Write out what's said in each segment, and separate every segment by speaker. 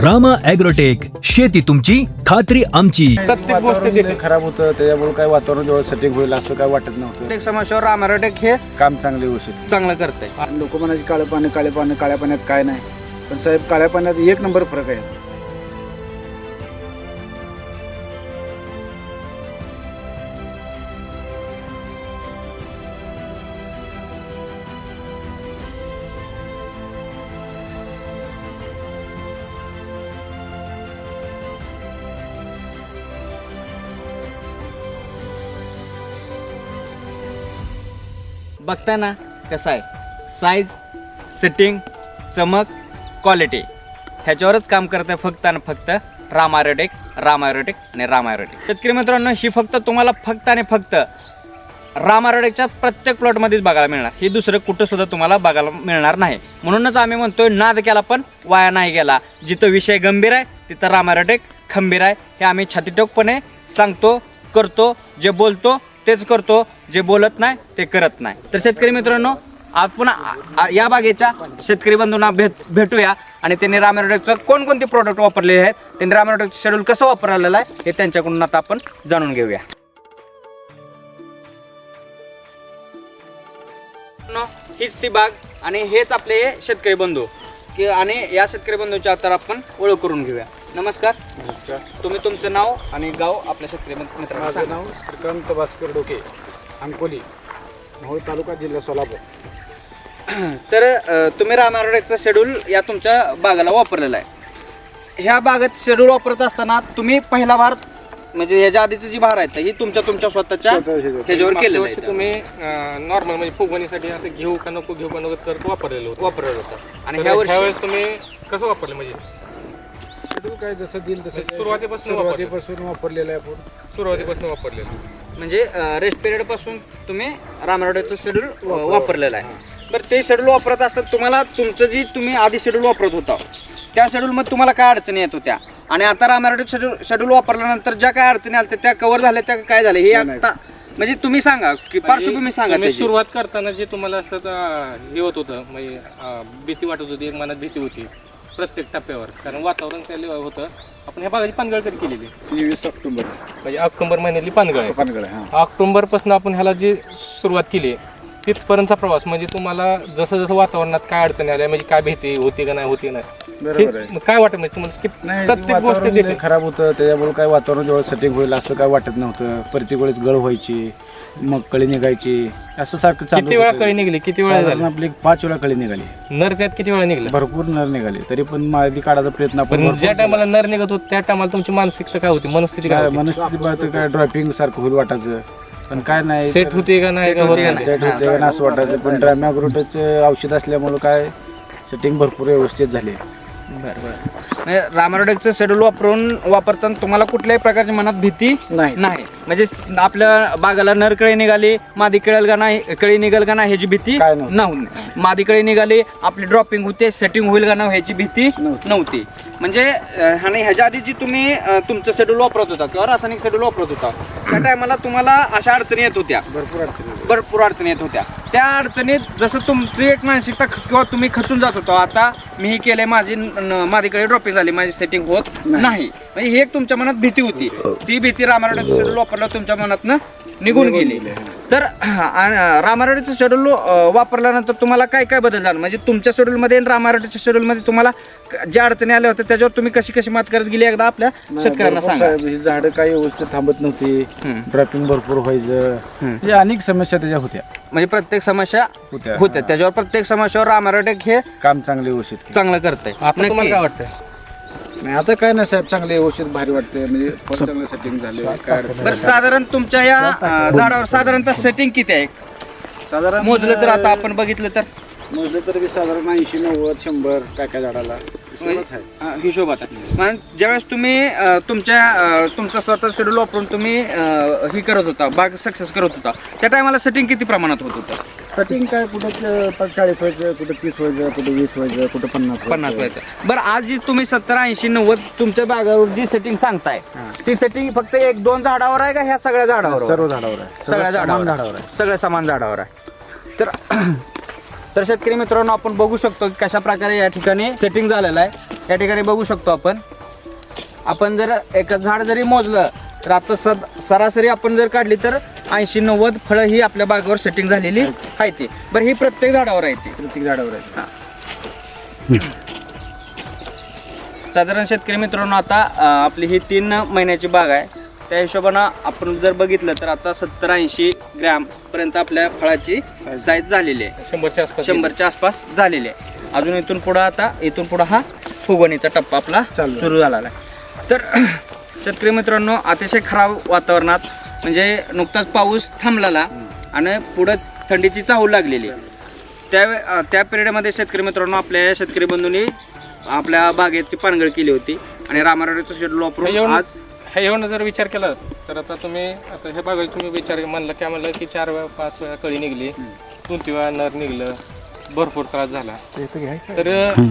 Speaker 1: Rama agrotech, शेती तुमची खात्री आमची.
Speaker 2: प्रत्येक गोष्ट खराब होतं त्याच्यामुळे काय वातावरण जेव्हा सेटिंग होईल असं काय वाटत नव्हतं.
Speaker 3: प्रत्येक समस्यावर रामा ॲग्रोटेक हे
Speaker 2: काम चांगले होऊ
Speaker 3: चांगलं करतंय.
Speaker 2: लोक म्हणायचे काळ्या पाण्यात काय नाही, पण साहेब काळ्या पाण्यात एक नंबर फरक आहे.
Speaker 3: बघताना कसं आहे, साईज, सेटिंग, चमक, क्वालिटी ह्याच्यावरच काम करत आहे फक्त आणि फक्त रामा ॲग्रोटेक आणि रामा ॲग्रोटेक. शेतकरी मित्रांनो, ही फक्त तुम्हाला फक्त आणि फक्त रामा ॲग्रोटेकच्या प्रत्येक प्लॉटमध्येच बघायला मिळणार. ही दुसरं कुठं सुद्धा तुम्हाला बघायला मिळणार नाही. म्हणूनच आम्ही म्हणतोय, नाद केला पण वाया नाही गेला. जिथं विषय गंभीर आहे तिथं रामा ॲग्रोटेक खंबीर आहे. हे आम्ही छातीटोकपणे सांगतो, करतो. जे बोलतो तेच करतो, जे बोलत नाही ते करत नाही. तर शेतकरी मित्रांनो, आपण या बागेच्या शेतकरी बंधूंना भेटूया आणि त्यांनी रामा ॲग्रोटेकचं कोणकोणते प्रोडक्ट वापरलेले आहेत, त्यांनी रामा ॲग्रोटेकचं शेड्यूल कसं वापरलेलं आहे हे त्यांच्याकडून आता आपण जाणून घेऊया. हीच ती बाग आणि हेच आपले शेतकरी बंधू की आणि या शेतकरी बंधूंच्या आता आपण ओळख करून घेऊया. नमस्कार.
Speaker 2: नमस्कार.
Speaker 3: तुम्ही तुमचं नाव आणि गाव आपल्या शेतकरी मित्रांना
Speaker 2: माझं
Speaker 3: सांगा.
Speaker 2: नाव श्रीकांत भास्कर डोके, अंकोली, मोहोळ तालुका, जिल्हा सोलापूर.
Speaker 3: तर तुम्ही रामा ॲग्रोटेकचं शेड्यूल या तुमच्या बागाला वापरलेलं आहे. ह्या बागेत शेड्यूल वापरत असताना तुम्ही पहिला भार म्हणजे ह्याच्या आधीची जी भार आहेत ही तुमच्या स्वतःच्या ह्याच्यावर केलेलं आहे.
Speaker 4: तुम्ही नॉर्मल म्हणजे फुगवणीसाठी असं घेऊ का नको तर वापरलेलं होतं.
Speaker 3: आणि ह्यावेळेस
Speaker 4: तुम्ही कसं वापरलं म्हणजे
Speaker 2: शेड्यूल काय जसं दिल तसं
Speaker 4: सुरुवातीपासून
Speaker 2: वापरलेलं आहे.
Speaker 4: सुरुवातीपासून वापरलेलं
Speaker 3: म्हणजे रेस्ट पिरियड पासून तुम्ही रामा ॲग्रोटेकचं शेड्यूल वापरलेलं आहे. बरं, ते शेड्यूल वापरत असताना तुम्हाला तुमचं जी तुम्ही आधी शेड्यूल वापरत होता त्या शेड्यूलमध्ये तुम्हाला काय अडचणी येत होत्या आणि आता रामा ॲग्रोटेक शेड्यूल वापरल्यानंतर ज्या काय अडचणी आल्या त्या कव्हर झाल्या, त्या काय झाले हे आता म्हणजे तुम्ही सांगा की पार्श्वभूमी सांगा.
Speaker 4: तुम्ही
Speaker 3: त्याची.
Speaker 4: सुरुवात करताना जे तुम्हाला असं हे होत होतं म्हणजे भीती वाटत होती, एक मनात भीती होती प्रत्येक टप्प्यावर, कारण वातावरण त्याला होतं. आपण ह्या बागाची पानगळ कधी केलेली
Speaker 2: 23 ऑक्टोबर
Speaker 4: म्हणजे ऑक्टोबर महिन्यातली पानगळ आहे.
Speaker 2: पानगळ आहे.
Speaker 4: ऑक्टोबरपासून आपण ह्याला जी सुरुवात केली तिथपर्यंतचा प्रवास म्हणजे तुम्हाला जसं जसं वातावरणात काय अडचणी आल्या म्हणजे काय भीती होती का नाही
Speaker 2: बरोबर आहे.
Speaker 4: मग काय वाटत म्हणजे तुम्हाला प्रत्येक गोष्ट
Speaker 2: वातावरण खराब होतं त्याच्यामुळे काय वातावरण जेव्हा सेटिंग होईल असं काय वाटत नव्हतं. प्रत्येक वेळेस गळ व्हायची, मग कळी निघायची, असं सारखं चालू.
Speaker 4: किती वेळा कळी निघली, किती वेळा झाली
Speaker 2: आपली 5 वेळा कळी निघाली.
Speaker 4: नर त्यात किती वेळा निघलं,
Speaker 2: भरपूर नर निघाले, तरी पण माहिती काढायचा प्रयत्न आपण
Speaker 4: पण ज्या टायमाला नर निघत होत त्या टायमाला तुमची मानसिकता काय होती, मनस्थिती काय होती?
Speaker 2: मनस्थिती पाहतं काय ड्रॉपिंग सारखं होईल वाटायचं, पण काय नाही
Speaker 4: सेट होते का नाही का होत नाही?
Speaker 2: सेट होते का असं वाटायचं. पण रामा ॲग्रोटेकचं औषध असल्यामुळं काय सेटिंग भरपूर व्यवस्थित झाली.
Speaker 3: रामा ॲग्रोटेकचं शेड्यूल वापरताना तुम्हाला कुठल्याही प्रकारची मनात भीती
Speaker 2: नाही.
Speaker 3: म्हणजे आपल्या बागाला नर कळी निघाली, मादी कळेल का नाही, कळी निघेल का नाही ह्याची भीती
Speaker 2: काय नव्हती.
Speaker 3: मादी कळी निघाली, आपली ड्रॉपिंग होते, सेटिंग होईल का नाही ह्याची भीती नव्हती. म्हणजे आणि ह्याच्या आधी जी तुम्ही तुमचं शेड्यूल वापरत होता किंवा रासायनिक शेड्यूल वापरत होता त्या टायमाला तुम्हाला अशा अडचणी येत होत्या, भरपूर अडचणी येत होत्या. त्या अडचणीत जसं तुमची एक मानसिकता किंवा तुम्ही खचून जात होता, आता मी ही केले, माझीकडे ड्रॉपिंग झाली, माझी सेटिंग होत नाही, म्हणजे ही एक तुमच्या मनात भीती होती. ती भीती रामा ॲग्रोटेकचं शेड्यूल वापरल्यावर तुमच्या मनातनं निघून गेली. तर रामा ॲग्रोटेकचं शेड्यूल वापरल्यानंतर तुम्हाला काय काय बदल झाला, म्हणजे तुमच्या शेड्यूलमध्ये आणि रामा ॲग्रोटेकच्या शेड्यूलमध्ये तुम्हाला ज्या अडचणी आल्या होत्या त्याच्यावर तुम्ही कशी मात करत गेली एकदा आपल्या शेतकऱ्यांना सांगा.
Speaker 2: झाडं काही व्यवस्थित थांबत नव्हती, ड्रॉपिंग भरपूर व्हायचं, म्हणजे अनेक समस्या त्याच्या होत्या.
Speaker 3: म्हणजे प्रत्येक समस्या होत्या त्याच्यावर प्रत्येक समस्यावर रामा ॲग्रोटेक हे
Speaker 2: काम चांगले व्यवस्थित
Speaker 3: चांगलं करतंय.
Speaker 4: आता तुम्हाला काय वाटतं?
Speaker 2: नाही आता काय नाही साहेब, चांगले व्यवस्थित भारी वाटते, म्हणजे चांगलं सेटिंग झाले. काय
Speaker 3: बरं, साधारण तुमच्या या झाडावर साधारणतः सेटिंग किती आहे
Speaker 2: साधारण
Speaker 3: मोजलं तर, आता आपण बघितलं तर
Speaker 2: मोजलं तर साधारण 80, 90, 100 काय झाडाला
Speaker 3: हिशोबात आहे. म्हणजे ज्यावेळेस तुम्ही तुमचं स्वतः शेड्यूल वापरून तुम्ही ही करत होता, बाग सक्सेस करत होता, त्या टायमाला सेटिंग किती प्रमाणात होत होतं?
Speaker 2: सेटिंग काय कुठं 40 व्हायचं, कुठं 30 व्हायचं, कुठं 20 व्हायचं, कुठं 50
Speaker 3: व्हायचं. बरं, आज जी तुम्ही 70, 80, 90 तुमच्या बागावर जी सेटिंग सांगताय ती सेटिंग फक्त 1-2 झाडावर आहे का ह्या सगळ्या झाडावर?
Speaker 2: सर्व झाडावर आहे,
Speaker 3: सगळ्या झाडावर आहे, सगळ्या समान झाडावर आहे. तर शेतकरी मित्रांनो, आपण बघू शकतो की कशा प्रकारे या ठिकाणी सेटिंग झालेलं आहे. या ठिकाणी बघू शकतो आपण जर एक झाड जरी मोजलं तर आता सरासरी आपण जर काढली तर 80-90 फळं ही आपल्या बागेवर सेटिंग झालेली आहे ती. बरं ही प्रत्येक झाडावर आहे ती.
Speaker 2: प्रत्येक झाडावर आहे.
Speaker 3: साधारण शेतकरी मित्रांनो आता आपली ही 3 महिन्याची बाग आहे. त्या हिशोबानं आपण जर बघितलं तर आता 70-80 ग्रॅम पर्यंत आपल्या फळाची साईज झालेली आहे.
Speaker 4: 100च्या आसपास
Speaker 3: 100च्या आसपास झालेली आहे. अजून इथून पुढं हा फुगवणीचा टप्पा आपला सुरू झालेला आहे. तर शेतकरी मित्रांनो अतिशय खराब वातावरणात म्हणजे नुकताच पाऊस थांबलेला आणि पुढं थंडीची चाहूल लागलेली त्या पिरियडमध्ये शेतकरी मित्रांनो आपल्या शेतकरी बंधूंनी आपल्या बागेची पानगळ केली होती आणि रामारोडेचं शेड्यूल वापरून आज
Speaker 4: हे येऊन जर विचार केला तर आता तुम्ही असं हे बघा तुम्ही विचार म्हणलं काय म्हणलं की 4 वेळा 5 वेळा कळी निघली 2 वेळा नर निघलं भरपूर त्रास झाला. तर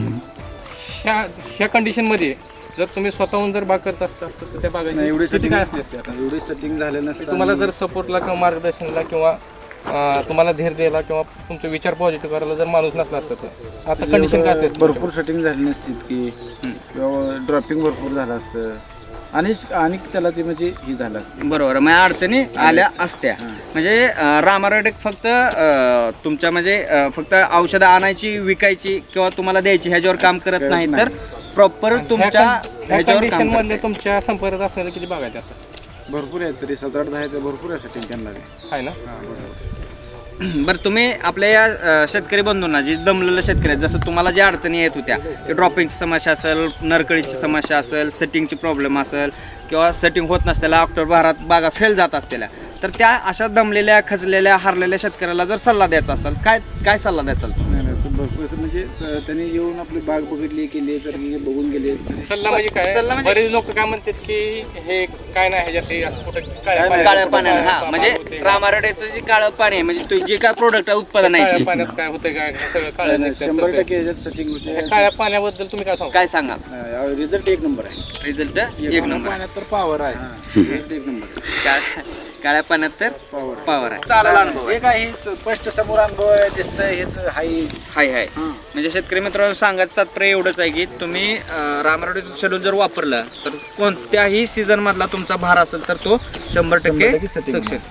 Speaker 4: ह्या कंडिशनमध्ये जर तुम्ही स्वतःहून जर बाग करत असता तर त्या बागाची
Speaker 2: एवढी
Speaker 4: स्थिती
Speaker 2: सेटिंग
Speaker 4: काय असली असते आता?
Speaker 2: एवढी सेटिंग झालं नसतं.
Speaker 4: तुम्हाला जर सपोर्टला किंवा मार्गदर्शनला किंवा तुम्हाला धीर द्यायला किंवा तुमचे विचार पॉझिटिव्ह करायला जर माणूस नसला असता तर आता कंडिशन काय असते?
Speaker 2: भरपूर सेटिंग झाली नसती की किंवा ड्रॉपिंग भरपूर झालं असतं आणि त्याला ते म्हणजे ही झालं असतं.
Speaker 3: बरोबर म्हणजे अडचणी आल्या असत्या. म्हणजे रामारोडेक फक्त तुमच्या म्हणजे फक्त औषधं आणायची विकायची किंवा तुम्हाला द्यायची ह्याच्यावर काम करत नाही तर प्रॉपर तुमच्या ह्याच्यावर
Speaker 4: कंडिशन
Speaker 3: काम
Speaker 4: मधले तुमच्या संपर्कात असणारे किती बागायचे असतात?
Speaker 2: भरपूर आहे तरी 7-8-10 भरपूर आहे सेटिंग त्यांना
Speaker 4: आहे ना.
Speaker 3: बरं तुम्ही आपल्या या शेतकरी बंधूंना जे दमलेलं शेतकरी आहेत जसं तुम्हाला ज्या अडचणी येत होत्या की ड्रॉपिंगची समस्या असेल नरकळीची समस्या असेल सेटिंगची प्रॉब्लेम असेल किंवा सेटिंग होत नसलेल्या ऑक्टोबर भारात बागा फेल जात असलेल्या तर त्या अशा दमलेल्या खचलेल्या हारलेल्या शेतकऱ्याला जर सल्ला द्यायचा असेल काय सल्ला द्यायचा
Speaker 2: भरपूर असं म्हणजे त्यांनी येऊन आपली बाग बघितली केली तर बघून गेले.
Speaker 4: सल्ला म्हणजे काय?
Speaker 3: सल्ला म्हणजे-
Speaker 4: बरेच लोक काय म्हणतात की हे काय नाही ह्याच्यात हे असं कुठं
Speaker 3: काळ्या पाण्यानं हा म्हणजे रामारोडेचं जे काळं पाणी आहे म्हणजे जे काय प्रोडक्ट उत्पादन आहे
Speaker 4: काळ्या
Speaker 3: ते.
Speaker 4: पाण्यात काय होतंय काय सगळं काळं निघतंय.
Speaker 2: 100% याच्यात सेटिंग होते.
Speaker 4: ह्या काळ्या पाण्याबद्दल तुम्ही काय सांगा?
Speaker 3: काय सांगा
Speaker 2: रिझल्ट 1 नंबर आहे.
Speaker 3: रिझल्ट एक नंबर
Speaker 2: पाण्यात तर पॉवर आहे. Result 1 number.
Speaker 3: काळ्या पाण्यात तर पॉवर आहे. चालेल अनुभव आहे.
Speaker 2: हे काय हे स्पष्ट समोर अनुभव आहे दिसतंय हेच हाय.
Speaker 3: हाय म्हणजे शेतकरी मित्रांनो सांगायचं तात्पर्य एवढंच आहे की तुम्ही रामारोडेचं शेड्यूल जर वापरलं तर कोणत्याही सीझन मधला तुमचा भार असेल तर तो 100% सक्सेस.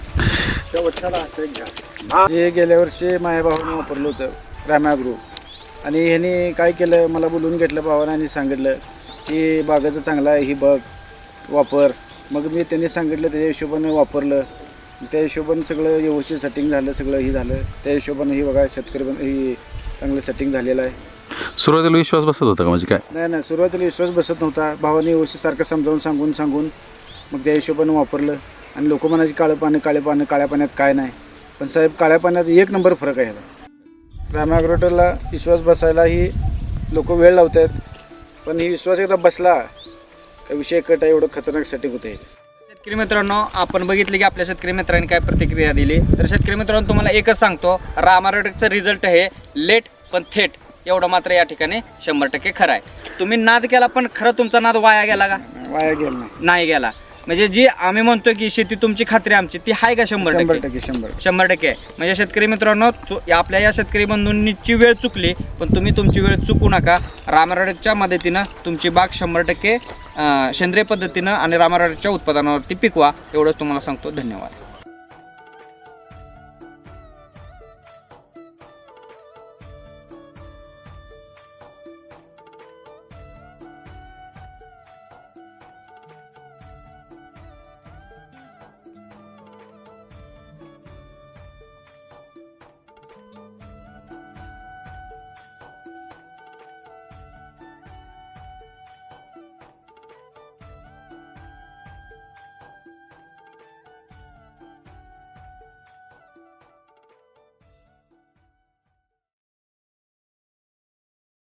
Speaker 2: हे गेल्या वर्षी माझ्या भावाने वापरलं होतं रामाग्रो आणि ह्याने काय केलं मला बोलून घेतलं भावानं आणि सांगितलं की बागाचं चांगलं आहे ही बघ वापर. मग मी त्यांनी सांगितलं त्याच्या हिशोबाने वापरलं त्या हिशोबाने सगळं व्यवस्थित सेटिंग झालं सगळं ही झालं त्या हिशोबाने ही बघा शेतकरी ही चांगलं सेटिंग झालेलं आहे.
Speaker 5: सुरुवातीला विश्वास बसत होता का म्हणजे काय?
Speaker 2: नाही सुरुवातीला विश्वास बसत नव्हता. भावाने व्यवस्थित सारखं समजावून सांगून मग त्या हिशोबाने वापरलं आणि लोक म्हणायचे काळ्या पाण्यात काय नाही पण साहेब काळ्या पाण्यात 1 नंबर फरक आहे ह्याला. रामाग्रोटरला विश्वास बसायला ही लोक वेळ लावत आहेत पण ही विश्वास एकदा बसला का विषय कट आहे. एवढं खतरनाक सेटिंग होते.
Speaker 3: शेतकरी मित्रांनो आपण बघितले की आपल्या शेतकरी मित्रांनी काय प्रतिक्रिया दिली तर शेतकरी मित्रांनो तुम्हाला एकच सांगतो रामारोडेकचं रिझल्ट हे लेट पण थेट एवढं मात्र या ठिकाणी 100% खरं आहे. तुम्ही नाद केला पण खरं तुमचा नाद वाया गेला का?
Speaker 2: वाया गेलं
Speaker 3: नाही गेला. म्हणजे जी आम्ही म्हणतो की शेती तुमची खात्री आमची ती आहे का? 100% 100% आहे. म्हणजे शेतकरी मित्रांनो आपल्या या शेतकरी बंधूंची वेळ चुकली पण तुम्ही तुमची वेळ चुकू नका. रामारोडेकच्या मदतीनं तुमची बाग 100% सेंद्रिय पद्धतीनं आणि रामारोडेकच्या उत्पादनावरती पिकवा एवढंच तुम्हाला सांगतो. धन्यवाद.